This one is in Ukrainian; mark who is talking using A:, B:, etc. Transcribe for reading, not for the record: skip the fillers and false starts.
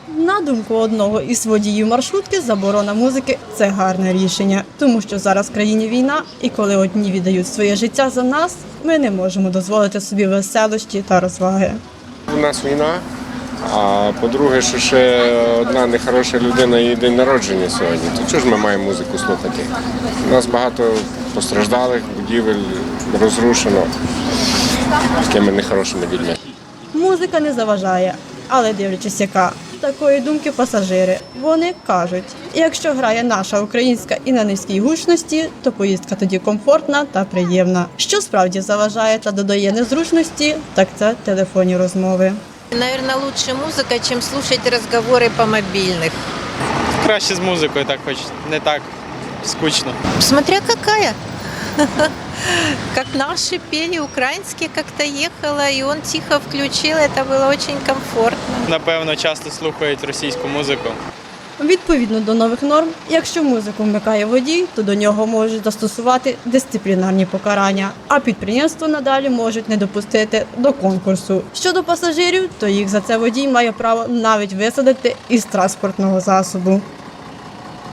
A: На думку одного із водіїв маршрутки, заборона музики – це гарне рішення. Тому що зараз в країні війна, і коли одні віддають своє життя за нас, ми не можемо дозволити собі веселощі та розваги.
B: У нас війна, а по-друге, що ще одна нехороша людина, її день народження сьогодні. То чого ж ми маємо музику слухати? У нас багато постраждалих, будівель розрушено такими нехорошими людьми.
A: Музика не заважає, але дивлячись яка. Такої думки пасажири. Вони кажуть, якщо грає наша українська і на низькій гучності, то поїздка тоді комфортна та приємна. Що справді заважає та додає незручності, так це телефонні розмови.
C: Наверное, лучше музыка, чем слушать разговоры по мобильных.
D: Краще з музикою, так хоч не так скучно.
C: Смотря какая. Как наши пели, украинские как-то ехала, и он тихо включил, это было очень комфортно.
D: Напевно, часто слухають російську музику.
A: Відповідно до нових норм, якщо музику вмикає водій, то до нього можуть застосувати дисциплінарні покарання, а підприємства надалі можуть не допустити до конкурсу. Щодо пасажирів, то їх за це водій має право навіть висадити із транспортного засобу.